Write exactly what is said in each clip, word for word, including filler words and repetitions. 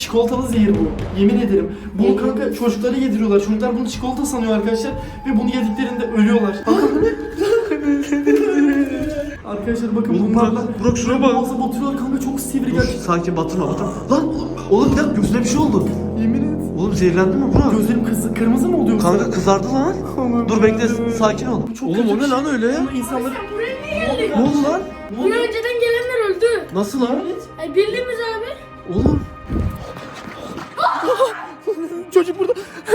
Çikolatalı zehir bu. Yemin ederim. Bunu kanka çocuklara yediriyorlar. Çocuklar bunu çikolata sanıyor arkadaşlar. Ve bunu yediklerinde ölüyorlar. Arkadaşlar bakın Oğlum bunlarla Burak, Burak şuraya bak. boğaza batırıyorlar kanka, çok sivri gerçekten. Sakin batırma batırma. Lan oğlum bir dakika gözüne bir şey oldu. Yemin et. Oğlum zehirlendi mi Burak? Gözlerim kız, kırmızı mı oluyor? Kanka kızardı lan. Aman Dur bekle Allah'ım. sakin ol. Çok Oğlum kötü o bir ne şey. lan öyle? Bunu insanları... Ne oldu lan? Bunu önceden gelenler öldü. Nasıl lan? Ay bildiğimiz abi. Oğlum. Çocuk burada.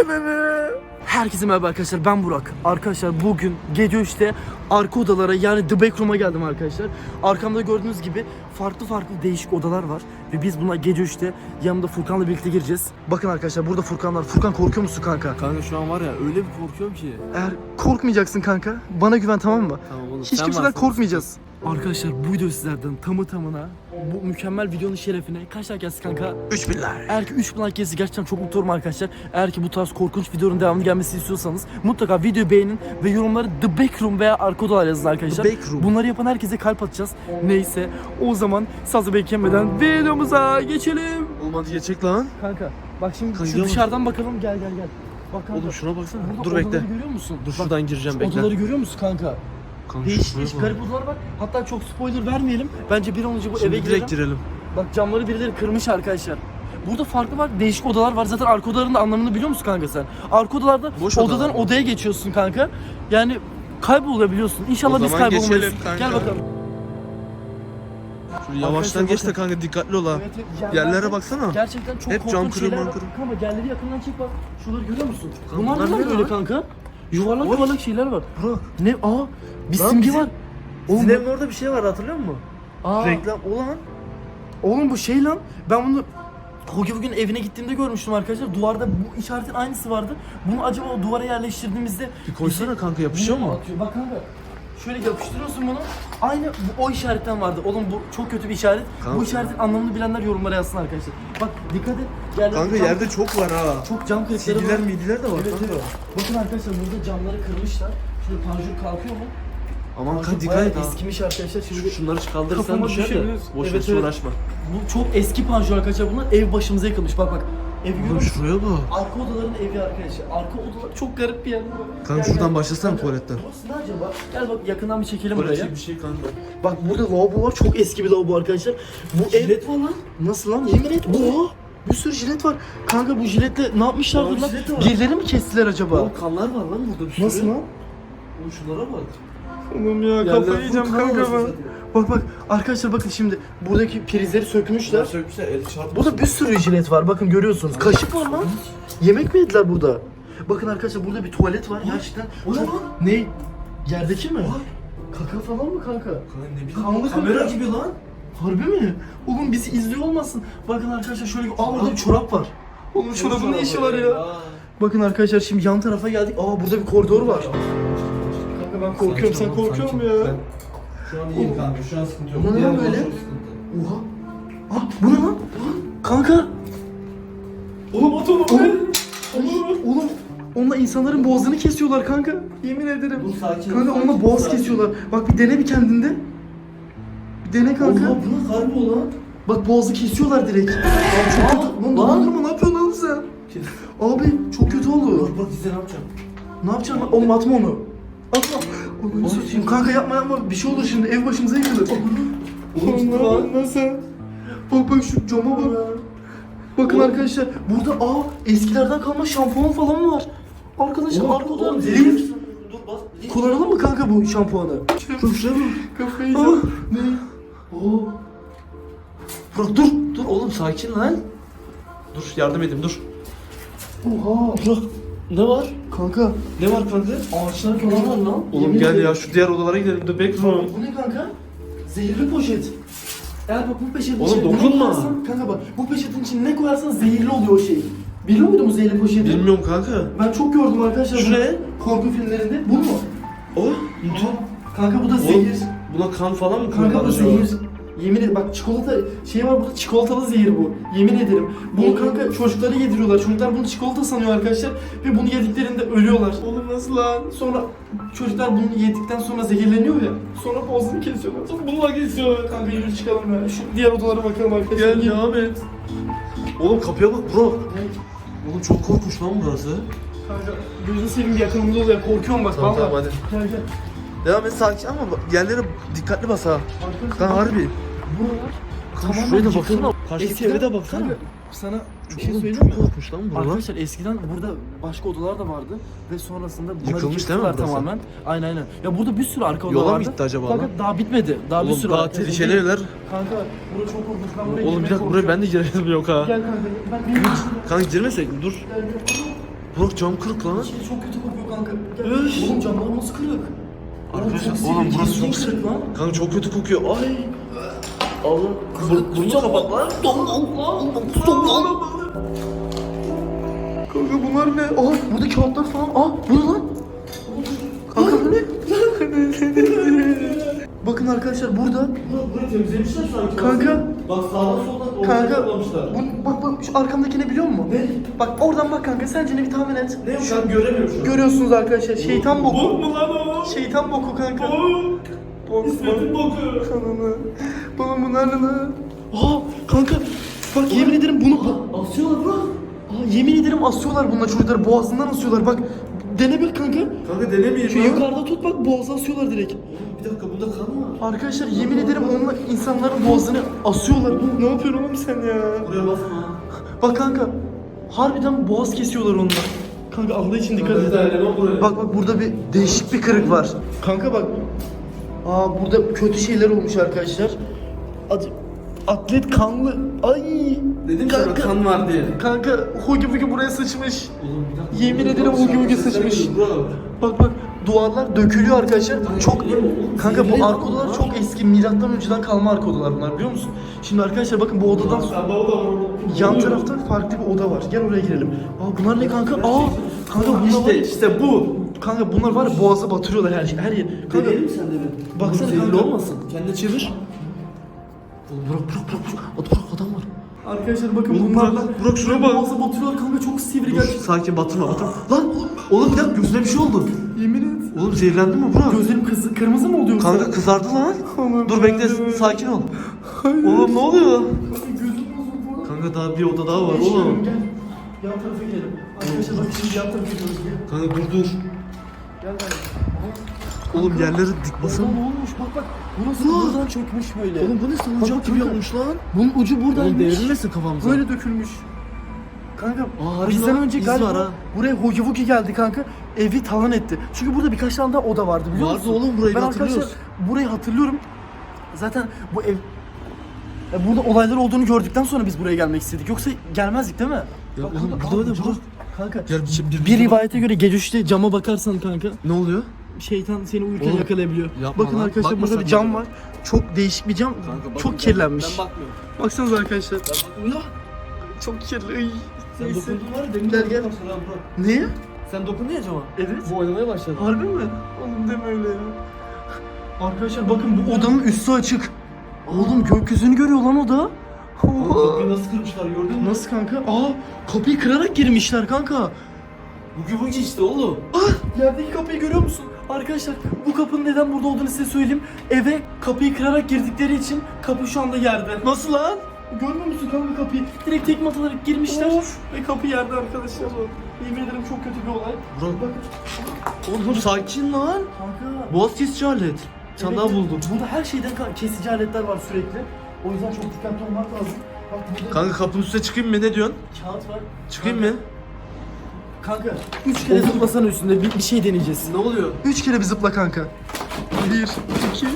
Herkese merhaba arkadaşlar, ben Burak. Arkadaşlar bugün gece üçte arka odalara, yani The Backroom'a geldim arkadaşlar. Arkamda gördüğünüz gibi farklı farklı değişik odalar var. Ve biz buna gece üçte yanımda Furkan'la birlikte gireceğiz. Bakın arkadaşlar, burada Furkan var. Furkan, korkuyor musun kanka? Kanka şu an var ya öyle bir korkuyorum ki. Eğer korkmayacaksın kanka, bana güven, tamam mı? Tamam oğlum. Hiç kimseden korkmayacağız. Arkadaşlar bu video sizlerden tamı tamına bu mükemmel videonun şerefine kaç like gelsin kanka? üç bin like. Eğer ki üç bin like gelirse gerçekten çok mutlu olurum arkadaşlar. Eğer ki bu tarz korkunç videonun devamını gelmesini istiyorsanız mutlaka videoyu beğenin ve yorumlara The Backroom veya arka odalar yazın arkadaşlar. The Backroom. Bunları yapan herkese kalp atacağız. Neyse, o zaman sazı beklemeden videomuza geçelim. Oğlum hadi geçecek lan. Kanka bak şimdi Kanka, şu yavaş. dışarıdan bakalım, gel gel gel. Bak kanka. Oğlum şuna baksana. Burada Dur odaları bekle. görüyor musun? Dur Bak, şuradan gireceğim şu bekle. odaları görüyor musun kanka? Kanka Değişik şuraya değişik bak. garip odalar var. Hatta çok spoiler vermeyelim. Bence bir an önce bu Şimdi eve direkt girelim. girelim. Bak camları birileri kırmış arkadaşlar. Burada farklı farklı değişik odalar var. Zaten arka odaların da anlamını biliyor musun kanka sen? Arka odalarda Boş odadan odalar. odaya geçiyorsun kanka. Yani kaybolabiliyorsun. İnşallah O biz zaman kaybolmayız. geçelim kanka. Gel bakalım. Şöyle yavaştan geç de bakın. kanka dikkatli ol ha. Evet, evet, yerlerde Yerlere baksana. Gerçekten çok Hep cam korkunç kırıyor, şeyler cam var. kırıyor. Kanka yerleri yakından çek bak. Şuraları görüyor musun? Kanka, Bunlar bunlar ne ne böyle lan? kanka? Yuvarlak Oy. yuvarlak şeyler var. Burak. Ne? Aa, bir Lan simge bizim- var. Bizim Oğlum, evin orada bir şey var hatırlıyor musun? aa, Reklam olan. oğlum bu şey lan. Ben bunu Hogi bugün evine gittiğimde görmüştüm arkadaşlar. Duvarda bu işaretin aynısı vardı. Bunu acaba o duvara yerleştirdiğimizde Bir koysana kanka yapışıyor mu? Atıyor. Bak kanka. Şöyle yapıştırıyorsun bunu. Aynı bu, o işaretten vardı. Oğlum bu çok kötü bir işaret. Kanka. Bu işaretin anlamını bilenler yorumlara yazsın arkadaşlar. Bak dikkat et. Yerlerde Kanka cam- yerde çok var ha. çok cam kırıkları Silgiler var. midiler de var Evet, kanka. evet. Bakın arkadaşlar, burada camları kırmışlar. Şurada panjur kalkıyor mu? Aman Panjur kanka dikkat bayağı et ha. eskimiş arkadaşlar. Şimdi Şunları kaldırırsan Kafama düşer de. düşebilir. Boş ver Evet, hiç evet. uğraşma. bu çok eski panjur arkadaşlar. Bunlar ev başımıza yıkılmış. Bak bak. Ev görüyor Oğlum musun? şuraya bak. Arka odaların evi arkadaşlar. Arka odalar çok garip bir yer. Kanka Gel, şuradan gel. başlasana Kanka, tuvaletten. Burası ne acaba? Gel bak yakından bir çekelim buraya. Burası bir şey kanka. Bak burada lavabo var. Çok eski bir lavabo arkadaşlar. Bu Jilet ev... var lan. Nasıl lan? Yemin et. Oha! Bir sürü jilet var. Kanka bu jiletle ne yapmışlardır Oğlum lan? jilet var. Birileri mi kestiler acaba? Oğlum kanlar var lan burada bir sürü. Nasıl lan? Oğlum şunlara bak. Oğlum ya Yerler kafayı full yiyeceğim kan kanka olası ben. zaten. Bak bak arkadaşlar, bakın şimdi buradaki prizleri sökmüşler. Sökmüşler el çarpmış. Burada bir sürü jilet var, bakın görüyorsunuz. Kaşık var lan. Yemek mi yediler burada? Bakın arkadaşlar burada bir tuvalet var gerçekten. O ne Çok- lan? Ne? Yerdeki mi? Kaka falan mı kanka? Kanka ne bileyim. Kanlı kamera kanka. gibi lan. Harbi mi? Oğlum bizi izliyor olmasın. Bakın arkadaşlar şöyle, aa orada bir çorap var. Oğlum çorabın ne işi var ya? Bakın arkadaşlar şimdi yan tarafa geldik. Aa burada bir koridor var. Kanka ben korkuyorum, sen korkuyor musun ya? Şu an iyiyim kanka, şu an sıkıntı yok. Bu ne Diğer lan böyle? zaman çok sıkıntı. Oha. Aa bu ne lan? Kanka. Oğlum at onu Oğlum. Oğlum. Onunla insanların boğazını kesiyorlar kanka. Yemin ederim. Dur, sakin ol, Kanka sakin, onunla boğaz sakin. kesiyorlar. Bak bir dene bir kendinde. Bir dene kanka. Oha bu ne harbi olan? Bak boğazı kesiyorlar direkt. Abi çok kötü. Lan dolandırma, ne yapıyorsun lan sen? Abi çok kötü oldu. Bak bak size ne yapacağım? Ne yapacaksın lan? Oğlum atma onu. Atma. Onu satayım. Kanka yapma yapma. Bir şey olur şimdi. Ev başımıza yıkılır. Oğlum gitti lan. Nasıl? Bak bak şu cama bak. Bakın Oğlum. arkadaşlar burada aa eskilerden kalma şampuan falan var. Arkadaşlar Oğlum, arka odadan oğlum, lif. zehir. Dur bas. Kullanalım mı kanka bu şampuanı? Dur şuraya bak. Kafayı yiyeceğim. Ne? Oo. Burak dur. Dur oğlum sakin lan. Dur yardım edeyim dur. Oha. Burak ne var? Kanka Ne var kanka? ağaçlar falan var lan. Oğlum Yemin gel ederim. ya şu diğer odalara gidelim. The Backroom. Bu ne kanka? Zehirli poşet. Eğer bak bu poşetin Oğlum, içine ne dokunma. koyarsan, kanka bak bu poşetin içine ne koyarsan zehirli oluyor o şey. Biliyor muydun bu zehirli poşeti? Bilmiyorum kanka. Ben çok gördüm arkadaşlar. Şu bunu. ne? Korku filmlerinde. Bu mu? O? Kanka bu da Oğlum, zehir. buna kan falan mı Kanka bu koyuyorlar zehir. acaba? Yemin ederim bak çikolata şey var burada, çikolatalı zehir bu. Yemin ederim. Bunu kanka çocuklara yediriyorlar. Çocuklar bunu çikolata sanıyor arkadaşlar ve bunu yediklerinde ölüyorlar. Oğlum nasıl lan? Sonra çocuklar bunu yedikten sonra zehirleniyor ya. Sonra boğazını kesiyorlar. Sonra bununla kesiyorlar. Kanka yürü çıkalım ya. Şu diğer odalara bakalım arkadaşlar. Gel devam et. Oğlum kapıya bak bro. Oğlum çok korkunç lan burası. Kanka gözünü seveyim bir yakınımda oluyor. Korkuyorum bak Tamam, vallahi. tamam, hadi. Gel gel. Devam et sakin ama bak, yerlere dikkatli bas ha. Arkadaşlar Lan harbi. buralar Kanka tamamen şuraya da yıkılmış. baksana. Karşıdaki Eskiden- eve de baksana. Kanka, sana bir şey Oğlum söyleyeyim çok mi? korkunç lan buralar. Arkadaşlar eskiden burada başka odalar da vardı ve sonrasında bunları Yıkılmış değil mi yıktılar burası? tamamen. Aynen aynen. Ya burada bir sürü arka oda Yola mı vardı. gitti acaba Kanka lan? daha bitmedi. Daha bir Oğlum sürü daha var. tehlikeli evler. Kanka burası çok korkunç. Ben buraya Oğlum bir girmeye dakika buraya ben de girelim yok ha. Gel kanka. Ben benim için. Kanka girmesek mi? Dur. Burak cam kırık lan. Şey çok kötü kokuyor kanka. Gel. Oğlum camlar nasıl kırık? Arkadaşlar, çok oğlum sivri, burası ciddi çok kırık lan. Kanka çok kötü kokuyor. Ay. Oğlum bur burnunu kapat lan. Kanka bunlar ne? Aa burada kağıtlar falan. Aa bu ne lan? Kanka bu ne? Bakın arkadaşlar burada. Burayı temizlemişler sanki. Kanka. Bak sağdan soldan Kanka. toplamışlar. Bu, bak bak şu arkamdaki ne biliyor musun? Ne? Bak oradan bak kanka sence ne bir tahmin et. Ne yok ben göremiyorum şu an. Görüyorsunuz arkadaşlar şeytan boku. Bok mu lan o? Şeytan boku kanka. Bok. Bok İsmet'in boku. Kanını. Baba bunlar ne lan? Aa kanka bak yemin ederim bunu Asıyorlar bro. Aa, yemin ederim asıyorlar bunlar çocukları boğazından asıyorlar bak. Dene bir kanka. Kanka denemeyin Şu lan. yukarıda tut bak boğaza asıyorlar direkt. Bir dakika bunda kan var. Arkadaşlar yemin ederim onlar insanların boğazını asıyorlar. Ne yapıyorsun oğlum sen ya? Buraya basma. Bak kanka harbiden boğaz kesiyorlar onunla. Kanka Allah için dikkat et. buraya. Bak bak burada bir değişik bir kırık var. Kanka bak. Aa burada kötü şeyler olmuş arkadaşlar. Ad- atlet kanlı. Ay. Dedim kanka, sana kan var diye. Kanka hugi bugi buraya sıçmış. Oğlum bir dakika. Yemin ederim hugi bugi sıçmış. Bak bak duvarlar dökülüyor arkadaşlar. Çok kanka bu arka odalar çok eski milattan önceden kalma arka odalar bunlar biliyor musun? Şimdi arkadaşlar bakın bu odadan yan tarafta farklı bir oda var. Gel oraya girelim. Aa bunlar ne kanka? Aa kanka bunlar var. İşte işte bu. Kanka bunlar var ya boğaza batırıyorlar her şey her yer. Kanka Deneyelim mi sen de bir? baksana Zehirli kanka. olmasın. Kendine çevir. Oğlum bırak bırak bırak. bırak. Bırak adam var. Arkadaşlar bakın Oğlum bunlarla Burak, Burak şuraya bak. boğaza batırıyorlar kanka çok sivri Dur gerçekten. sakin batırma batırma. Lan oğlum bir dakika gözüne bir şey oldu. Yemin et. Oğlum zehirlendin mi Burak? Gözlerim kızı, kırmızı mı oluyor? Kanka kızardı lan. Aman Dur bekle Tanrım. sakin ol. Hayır. Oğlum ne oluyor? Gözüm bozuldu. Kanka daha bir oda daha var Geçiyorum, oğlum. Gel. Yan tarafa gidelim. Arkadaşlar bak şimdi yan tarafa gidiyoruz. Gel. Kanka dur dur. Gel gel. Oğlum yerleri dik Baksana basın. ne olmuş bak bak. Burası Aa! buradan çökmüş böyle. Oğlum bu ne salıncak Bak, gibi kanka. yapmış lan. Bunun ucu Oğlum buradaymış. devrilmesin kafamıza. Böyle dökülmüş. Kanka Aa, harbi bizden lan, önce iz galiba var ha. buraya Hugi Wugi geldi kanka. Evi talan etti. Çünkü burada birkaç tane daha oda vardı biliyor Vardı musun? oğlum, burayı ben da arkadaşlar hatırlıyoruz. burayı hatırlıyorum. Zaten bu ev ya burada olaylar olduğunu gördükten sonra biz buraya gelmek istedik. Yoksa gelmezdik değil mi? Ya Bak oğlum, kanka, burada aa, öyle, cam- burada. Kanka Gel bir, bir, bir rivayete göre gece üçte cama bakarsan kanka Ne oluyor? şeytan seni uyurken Oğlum, yakalayabiliyor. yapma Bakın lan, arkadaşlar bakma burada sen bir cam bana. var. Çok değişik bir cam. Çok kirlenmiş. bakmıyorum. Baksanıza arkadaşlar. Ben bakmıyorum. Çok kirli. Ay. Sen Neyse. dokundun var ya demin Gel, de gel. başladı ha Burak. Niye? Sen dokundun ya cama. Evet. Bu oynamaya başladı. Harbi mi? Oğlum deme öyle ya. Arkadaşlar bakın bu odanın üstü açık. Oğlum gökyüzünü görüyor lan oda. Oğlum Oha. kapıyı nasıl kırmışlar gördün mü? Nasıl kanka? Aa kapıyı kırarak girmişler kanka. Bugi bugi işte oğlum. Ah yerdeki kapıyı görüyor musun? Arkadaşlar bu kapının neden burada olduğunu size söyleyeyim. Eve kapıyı kırarak girdikleri için kapı şu anda yerde. Nasıl lan? Görmüyor musun kanka kapıyı? Direkt tekme atarak girmişler ve kapı yerde arkadaşlar. Yemin ederim çok kötü bir olay. Burak. Bakın Oğlum sakin lan. kanka. Boğaz kesici alet. Sen Evet, daha buldum. Burada her şeyden ka- kesici aletler var sürekli. O yüzden çok dikkatli olmak lazım. Bak burada Kanka kapının üstüne çıkayım mı ne diyorsun? kağıt var. Çıkayım Kanka, mı? Kanka üç kere zıplasana üstünde bir, bir şey deneyeceğiz. Ne oluyor? Üç kere bir zıpla kanka. Bir, iki.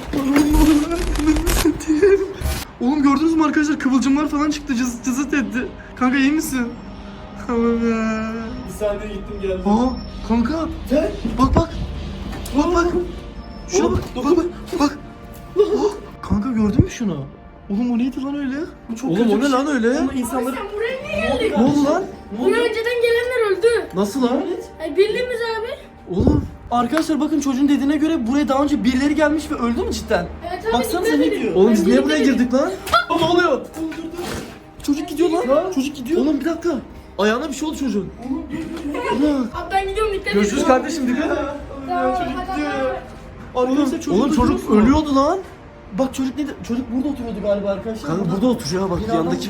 Oğlum gördünüz mü arkadaşlar kıvılcımlar falan çıktı cız, cızıt etti. Kanka iyi misin? Allah'ım ya. Bir saniye gittim geldim. Aa kanka. Gel. Bak bak. Bak bak. Şuna Oğlum, bak. Bak bak. Bak. Oh, kanka gördün mü şunu? Oğlum o neydi lan öyle? Bu çok Oğlum kötü o bir ne şey. lan öyle? Ama insanları... Sen buraya niye geldin? Ne oldu lan? Buraya önceden gelenler öldü. Nasıl lan? Ay bildiğimiz abi. Oğlum. Arkadaşlar bakın çocuğun dediğine göre buraya daha önce birileri gelmiş ve öldü mü cidden? Evet abi. Baksanıza dikkat ne edin. diyor? Oğlum biz Ben niye dikkat buraya edin. girdik lan? Aa, ne oluyor? Çocuk gidiyor lan. Çocuk gidiyor. Oğlum bir dakika. Ayağına bir şey oldu çocuğun. Ulan. Abi ben gidiyorum dikkat edin. Görüşürüz kardeşim dikkat et. Tamam, Çocuk hadi gidiyor abi. ya. Arkadaşlar çocuk, Oğlum çocuk ölüyordu lan. Bak çocuk ne çocuk burada oturuyordu galiba arkadaşlar. Kanka burada oturuyor ha bak Binadan yandaki bina. çıktı.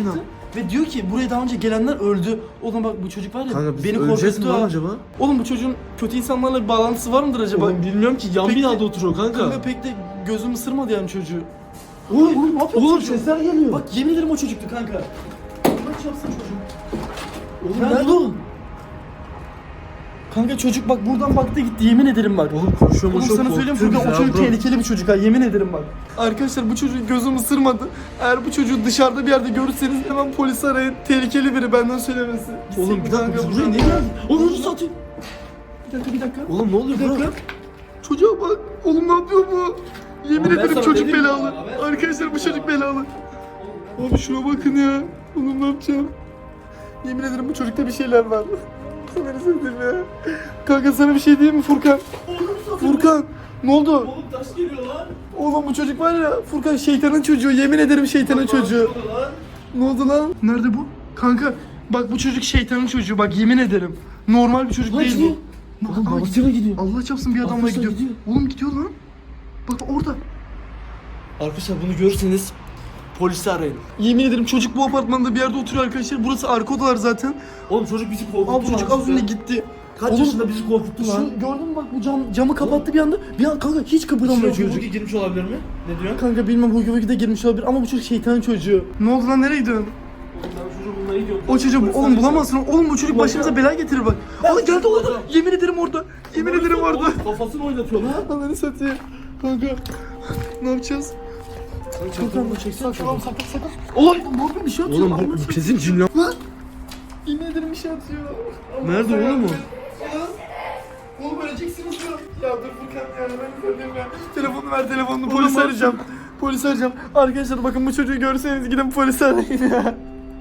Ve diyor ki buraya daha önce gelenler öldü. Oğlum bak bu çocuk var ya Kanka biz beni öleceğiz mi korkuttu lan ha. acaba? Oğlum bu çocuğun kötü insanlarla bir bağlantısı var mıdır acaba? Oğlum bilmiyorum ki yan Peki- binada oturuyor kanka. Kanka pek de gözüm ısırmadı yani çocuğu. Oğlum, Oğlum ne yapıyorsun oğlum çocuğum? sesler geliyor. Bak yemin ederim o çocuktu kanka. Bak yapsın çocuğum. oğlum nerede nerede o? o? Kanka çocuk bak buradan baktı gitti yemin ederim bak. Oğlum koşuyor Oğlum koşuyor. sana söyleyeyim korkutuyor Furkan o bizi çocuk ya, bro. tehlikeli bir çocuk ha yemin ederim bak. Arkadaşlar bu çocuğu gözüm ısırmadı. Eğer bu çocuğu dışarıda bir yerde görürseniz hemen polisi arayın. Tehlikeli biri benden söylemesi. Gitsek Oğlum mi bir dakika kanka biz buraya buradan? niye geldik? Oğlum sus atayım. Bir dakika bir dakika. Oğlum ne oluyor Bir bro? dakika. Çocuğa bak. Oğlum ne yapıyor bu? Yemin Oğlum ben ederim sana çocuk dedim belalı. ya, ben- Arkadaşlar bu çocuk belalı. Abi şuna bakın ya. Oğlum ne yapacağım? Yemin ederim bu çocukta bir şeyler var. Sana sevdim ya. Kanka sana bir şey diyeyim mi Furkan? Furkan ne oldu? Oğlum taş geliyor lan. Oğlum bu çocuk var ya Furkan şeytanın çocuğu yemin ederim şeytanın çocuğu. Lan. Ne oldu lan? Nerede bu? Kanka bak bu çocuk şeytanın çocuğu bak yemin ederim. Normal bir çocuk Lan değil gidiyor. bu. Oğlum Aa, babasıyla gidiyor. Allah çapsın bir adamla Arkadaşlar gidiyor. gidiyor. Oğlum gidiyor lan. Bak orada. Arkadaşlar bunu görürseniz polisi arayın. Yemin ederim çocuk bu apartmanda bir yerde oturuyor arkadaşlar. Burası arka odalar zaten. Oğlum çocuk bizi korkuttu Abi çocuk lan az önce size. gitti. Kaç Oğlum, yaşında bizi korkuttu lan? Şu, gördün mü bak bu cam, camı kapattı bir anda. Bir an kanka hiç kıpırdamıyor Çocuk çocuk. girmiş olabilir mi? Ne diyorsun? Kanka bilmem Hugi Hugi de girmiş olabilir ama bu çocuk şeytanın çocuğu. Ne oldu lan nereye gidiyorsun? Oğlum ben çocuğu bulmaya gidiyorum. O çocuğu oğlum bulamazsın. Oğlum bu çocuk başımıza bela getirir bak. Ben Aa geldi çocuğu orada. bulacağım. Yemin ederim orada. Yemin ederim orada. Oğlum kafasını oynatıyor lan. Ananı satayım. Kanka ne yapacağız? Çantamı çeksene Saklan saklan saklan. Oğlum. Ne yapayım bir şey atıyor. Oğlum Allah'ını bu satayım. kesin cin lan. Lan. Yemin ederim bir şey atıyor. Allah Nerede Allah. oğlum o? Oğlum. Oğlum öleceksiniz ya. Ya dur Furkan ya ben söyleyeyim ya. Telefonu ver telefonunu polis Oğlum, arayacağım. Polis arayacağım. Arkadaşlar bakın bu çocuğu görseniz gidin polisi arayın ya.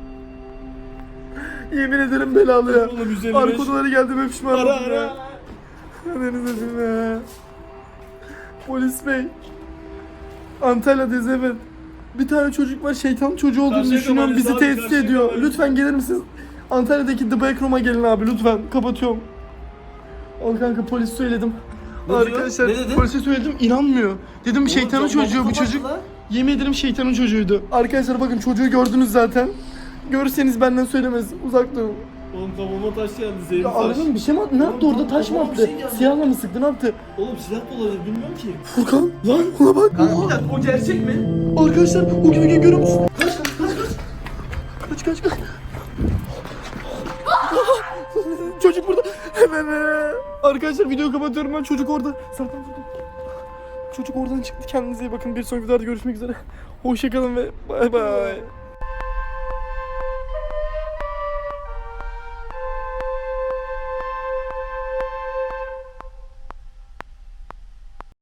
Yemin ederim belalı ya. Oğlum, yüz elli beş. Arka odalara geldim hep pişman Ara oldum ya. ara. Ananı satayım ya. Polis bey. Antalya'dayız evet. Bir tane çocuk var şeytan çocuğu olduğunu Karşıyaka düşünüyorum mahallesi bizi abi, tehdit Karşıyaka ediyor. mahallesi. Lütfen gelir misiniz? Antalya'daki The Backroom'a gelin abi lütfen. Kapatıyorum. Al kanka polis söyledim. Ne diyor? Arkadaşlar Ne dedi? polise söyledim inanmıyor. Dedim şeytanın Oğlum, çocuğu bu kapattı çocuk. lan. Yemin ederim şeytanın çocuğuydu. Arkadaşlar bakın çocuğu gördünüz zaten. Görürseniz benden söylemez. Uzak durun. Oğlum kafama taş geldi zehirli Ya taş. arabanın bir şey mi attı? Ne yaptı orada? Taş mı Oğlum, bir attı? şey geldi. Siyahla mı sıktı? Ne yaptı? Oğlum silah da olabilir bilmiyorum ki. Furkan lan ona bak. Kanka bir dakika o gerçek mi? Arkadaşlar o gibi görüyor musun? Kaç kaç kaç kaç. Kaç kaç kaç. Çocuk burada. Hemen. Arkadaşlar videoyu kapatıyorum ben. Çocuk orada. Zaten burada. Çocuk oradan çıktı. Kendinize iyi bakın. Bir sonraki videoda görüşmek üzere. Hoşçakalın ve bay bay.